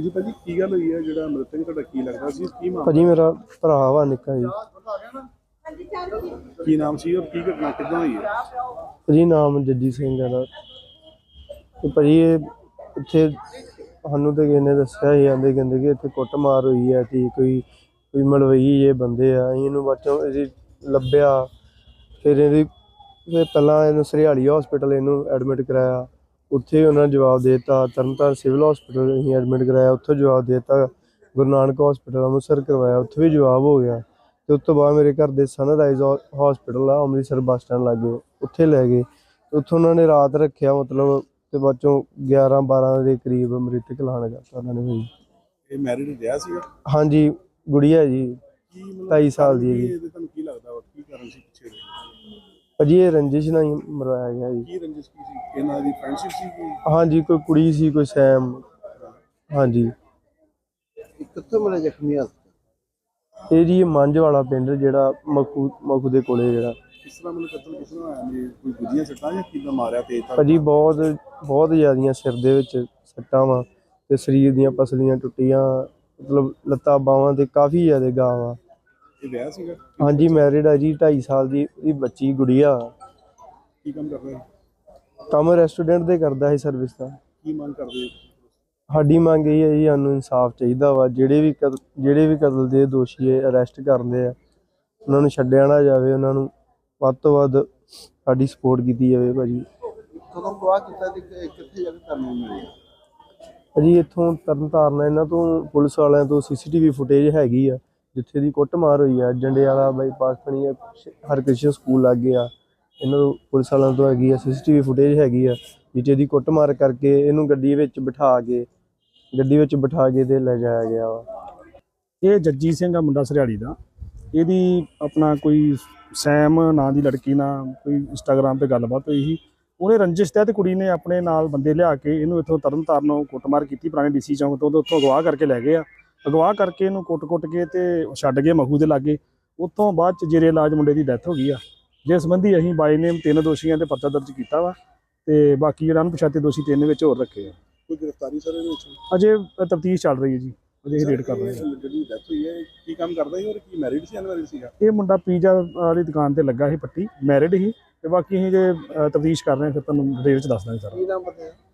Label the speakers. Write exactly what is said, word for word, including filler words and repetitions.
Speaker 1: जी भाजी की गल हुई है जिहड़ा मृतक तुहाडा की लगदा सी की मामला
Speaker 2: भाजी मेरा भरा वा निक्का जी।
Speaker 1: की नाम सी और की घटना किदां हुई है?
Speaker 2: भाजी नाम जज्जी सिंह है दा। ते भाजी इत्थे सानूं ते किसे ने दस्सिया ही, आंदे कहंदे कि इत्थे कुੱਟਮਾर होई है ते कोई कोई मलवई जे बंदे आ। असीं इहनूं बाद चों इहदी ਲੱਭਿਆ, फिर इहदी फिर ਪਹਿਲਾਂ ਇਹਨੂੰ ਸਰਿਆਲੀ हॉस्पिटल ਇਹਨੂੰ ਐਡਮਿਟ ਕਰਾਇਆ। ਉੱਥੇ ਉਹਨਾਂ ਨੇ ਜਵਾਬ ਦੇ ਦਿੱਤਾ। ਤਰਨਤਾਰਨ ਸਿਵਲ ਹਸਪੀਟਲ ਅਸੀਂ ਐਡਮਿਟ ਕਰਾਇਆ, ਉੱਥੋਂ ਜਵਾਬ ਦੇ ਦਿੱਤਾ। ਗੁਰੂ ਨਾਨਕ ਹਸਪੀਟਲ ਅੰਮ੍ਰਿਤਸਰ ਕਰਵਾਇਆ, ਉੱਥੇ ਵੀ ਜਵਾਬ ਹੋ ਗਿਆ। ਤੇ ਉਸ ਤੋਂ ਬਾਅਦ ਮੇਰੇ ਘਰ ਦੇ ਸਨਰਾਈਜ਼ ਹਸਪੀਟਲ ਆ ਅੰਮ੍ਰਿਤਸਰ ਬੱਸ ਸਟੈਂਡ ਲਾਗੇ, ਉੱਥੇ ਲੈ ਗਏ। ਉੱਥੋਂ ਉਹਨਾਂ ਨੇ ਰਾਤ ਰੱਖਿਆ ਮਤਲਬ, ਤੇ ਬਾਅਦ ਚੋਂ ਗਿਆਰਾਂ ਬਾਰਾਂ ਦੇ ਕਰੀਬ ਮ੍ਰਿਤਕ ਐਲਾਨ ਕਰਤਾ ਉਹਨਾਂ ਨੇ। ਭਾਜੀ
Speaker 1: ਇਹ ਮੈਰਿਡ ਰਿਹਾ ਸੀਗਾ?
Speaker 2: ਹਾਂਜੀ, ਗੁੜੀਆ ਜੀ
Speaker 1: ਕੀ ਮਤਲਬ
Speaker 2: ਢਾਈ ਸਾਲ ਦੀ ਹੈ ਜੀ।
Speaker 1: ਇਹਦੇ ਤੁਹਾਨੂੰ ਕੀ ਲੱਗਦਾ ਵਾ ਕੀ ਕਾਰਨ ਸੀ ਪਿੱਛੇ ਦੇ?
Speaker 2: ਭਾਜੀ ਇਹ ਰੰਜਿਸ਼ ਨਾਲ ਹੀ ਮਰਵਾਇਆ ਗਿਆ ਜੀ।
Speaker 1: ਕੀ ਰੰਜਿਸ਼ ਕੀ ਸੀ ਇਹਨਾਂ ਦੀ? ਫਰੈਂਡਸ਼ਿਪ ਸੀ ਕੋਈ?
Speaker 2: ਹਾਂਜੀ, ਕੋਈ ਕੁੜੀ ਸੀ, ਕੋਈ ਸੈਮ। ਹਾਂਜੀ।
Speaker 1: ਕਿੱਥੋਂ ਮਿਲੇ ਜ਼ਖਮੀ ਹਾਲਤ?
Speaker 2: ਇਹ ਜੀ ਮੰਝ ਵਾਲਾ ਪਿੰਡ ਜਿਹੜਾ ਮਖੂ ਮਖੂ ਦੇ ਕੋਲੇ ਜਿਹੜਾ।
Speaker 1: ਕਿਸ ਤਰ੍ਹਾਂ ਮਤਲਬ ਕਤਲ ਕਿਸ ਤਰ੍ਹਾਂ ਹੋਇਆ ਜੀ? ਕੋਈ ਗੁੱਜੀਆਂ ਸੱਟਾਂ ਜਾਂ ਕਿੱਦਾਂ ਮਾਰਿਆ ਤੇਜ਼ ਧਾਰ?
Speaker 2: ਭਾਜੀ ਬਹੁਤ ਬਹੁਤ ਜ਼ਿਆਦੀਆਂ ਸਿਰ ਦੇ ਵਿੱਚ ਸੱਟਾਂ ਵਾ, ਤੇ ਸਰੀਰ ਦੀਆਂ ਪਸਲੀਆਂ ਟੁੱਟੀਆਂ, ਮਤਲਬ ਲੱਤਾਂ ਬਾਹਾਂ ਤੇ ਕਾਫੀ ਜ਼ਿਆਦਾ ਗਾਹ ਵਾ।
Speaker 1: ਇਹ ਵਿਆਹ ਸੀਗਾ?
Speaker 2: ਹਾਂਜੀ, ਮੈਰਿਡ ਆ ਜੀ, ਢਾਈ ਸਾਲ ਦੀ ਇਹਦੀ ਬੱਚੀ ਗੁੜੀਆ।
Speaker 1: ਕੀ ਕੰਮ ਕਰਦਾ ਹੈ?
Speaker 2: ਕੰਮ ਰੈਸਟੋਰੈਂਟ ਦੇ ਕਰਦਾ ਹੈ ਸਰਵਿਸ ਦਾ।
Speaker 1: ਕੀ ਮੰਗ ਕਰਦੇ?
Speaker 2: ਸਾਡੀ ਮੰਗ ਇਹ ਹੈ ਜੀ, ਸਾਨੂੰ ਇਨਸਾਫ ਚਾਹੀਦਾ ਵਾ। ਜਿਹੜੇ ਵੀ ਕਤਲ ਜਿਹੜੇ ਵੀ ਕਤਲ ਦੇ ਦੋਸ਼ੀ ਹੈ ਅਰੈਸਟ ਕਰਦੇ ਆ, ਉਹਨਾਂ ਨੂੰ ਛੱਡਿਆ ਨਾ ਜਾਵੇ। ਉਹਨਾਂ ਨੂੰ ਵੱਧ ਤੋਂ ਵੱਧ ਸਾਡੀ ਸਪੋਰਟ ਕੀਤੀ ਜਾਵੇ। ਭਾਜੀ
Speaker 1: ਕਦੋਂ ਗਵਾਹ ਕੀਤਾ ਤੇ ਕਿੱਥੇ ਜਾ ਕੇ ਤੁਹਾਨੂੰ ਮਿਲਿਆ?
Speaker 2: ਭਾਜੀ ਇੱਥੋਂ ਤਰਨ ਤਾਰਨ ਇਹਨਾਂ ਤੋਂ ਪੁਲਿਸ ਵਾਲਿਆਂ ਤੋਂ ਸੀ ਸੀ ਟੀ ਵੀ ਫੁਟੇਜ ਹੈਗੀ ਆ, ਜਿੱਥੇ ਦੀ ਕੁੱਟਮਾਰ ਹੋਈ ਆ। ਜੰਡੇ ਵਾਲਾ ਬਾਈਪਾਸ ਬਣੀ ਆ, ਹਰਕ੍ਰਿਸ਼ਨ ਸਕੂਲ ਲਾਗੇ ਆ। ਇਹਨਾਂ ਤੋਂ ਪੁਲਿਸ ਵਾਲਿਆਂ ਤੋਂ ਹੈਗੀ ਆ ਸੀ ਸੀ ਟੀ ਵੀ ਫੁਟੇਜ ਹੈਗੀ ਆ, ਜਿੱਥੇ ਦੀ ਕੁੱਟਮਾਰ ਕਰਕੇ ਇਹਨੂੰ ਗੱਡੀ ਵਿੱਚ ਬਿਠਾ ਕੇ ਗੱਡੀ ਵਿੱਚ ਬਿਠਾ ਕੇ ਤੇ ਲੈ ਜਾਇਆ ਗਿਆ ਵਾ।
Speaker 3: ਇਹ ਜੱਜੀ ਸਿੰਘ ਆ ਮੁੰਡਾ ਸਰਿਆਲੀ ਦਾ। ਇਹਦੀ ਆਪਣਾ ਕੋਈ ਸੈਮ ਨਾਂ ਦੀ ਲੜਕੀ ਨਾਲ ਕੋਈ ਇੰਸਟਾਗ੍ਰਾਮ 'ਤੇ ਗੱਲਬਾਤ ਹੋਈ ਸੀ। ਉਹਨੇ ਰੰਜਿਸ਼ ਤਹਿਤ ਕੁੜੀ ਨੇ ਆਪਣੇ ਨਾਲ ਬੰਦੇ ਲਿਆ ਕੇ ਇਹਨੂੰ ਇੱਥੋਂ ਤਰਨ ਤਾਰਨੋਂ ਕੁੱਟਮਾਰ ਕੀਤੀ, ਪੁਰਾਣੇ ਡੀ ਸੀ ਚੌਂਕ ਤੋਂ। ਉੱਥੋਂ ਅਗਵਾ ਕਰਕੇ ਲੈ ਗਏ ਆ। ਅਗਵਾ ਕਰਕੇ ਇਹਨੂੰ ਕੁੱਟ-ਕੁੱਟ ਕੇ ਤੇ ਛੱਡ ਗਏ ਮਖੂ ਦੇ ਲਾਗੇ। ਉੱਥੋਂ ਬਾਅਦ 'ਚ ਜੇਰੇ ਇਲਾਜ ਮੁੰਡੇ ਦੀ ਡੈਥ ਹੋ ਗਈ ਆ, ਜਿਸ ਸੰਬੰਧੀ ਅਸੀਂ ਬਾਈ ਨੇਮ ਤਿੰਨ ਦੋਸ਼ੀਆਂ 'ਤੇ ਪਰਚਾ ਦਰਜ ਕੀਤਾ ਵਾ, ਤੇ ਬਾਕੀ ਜਿਹੜਾ ਅਣਪਛਾਤੇ ਦੋਸ਼ੀ ਤਿੰਨ ਵਿੱਚ ਹੋਰ ਰੱਖੇ ਆ।
Speaker 1: ਕੋਈ ਗ੍ਰਿਫਤਾਰੀ ਸਰ ਇਹਦੇ ਵਿੱਚ?
Speaker 3: ਅਜੇ ਤਫਤੀਸ਼ ਚੱਲ ਰਹੀ ਹੈ ਜੀ, ਅਜੇ ਰੇਡ ਕਰ ਰਹੇ ਹਾਂ।
Speaker 1: ਜਿਹੜੀ ਡੈਥ ਹੋਈ ਹੈ ਕੀ ਕੰਮ ਕਰਦਾ ਸੀ ਔਰ ਕੀ ਮੈਰਿਡ ਸੀ ਅਨਮੈਰਿਡ ਸੀਗਾ?
Speaker 3: ਇਹ ਮੁੰਡਾ ਪੀਜ਼ਾ ਵਾਲੀ ਦੁਕਾਨ ਤੇ ਲੱਗਾ ਸੀ, ਪੱਟੀ, ਮੈਰਿਡ ਸੀ। ਤੇ ਬਾਕੀ ਅਸੀਂ ਜੇ ਤਫਤੀਸ਼ ਕਰ ਰਹੇ ਹਾਂ, ਫਿਰ ਤੁਹਾਨੂੰ ਡਿਟੇਲ ਚ ਦੱਸ ਦਾਂਗੇ ਸਾਰਾ।
Speaker 1: ਕੀ ਨਾਮ ਪਤਾ ਹੈ?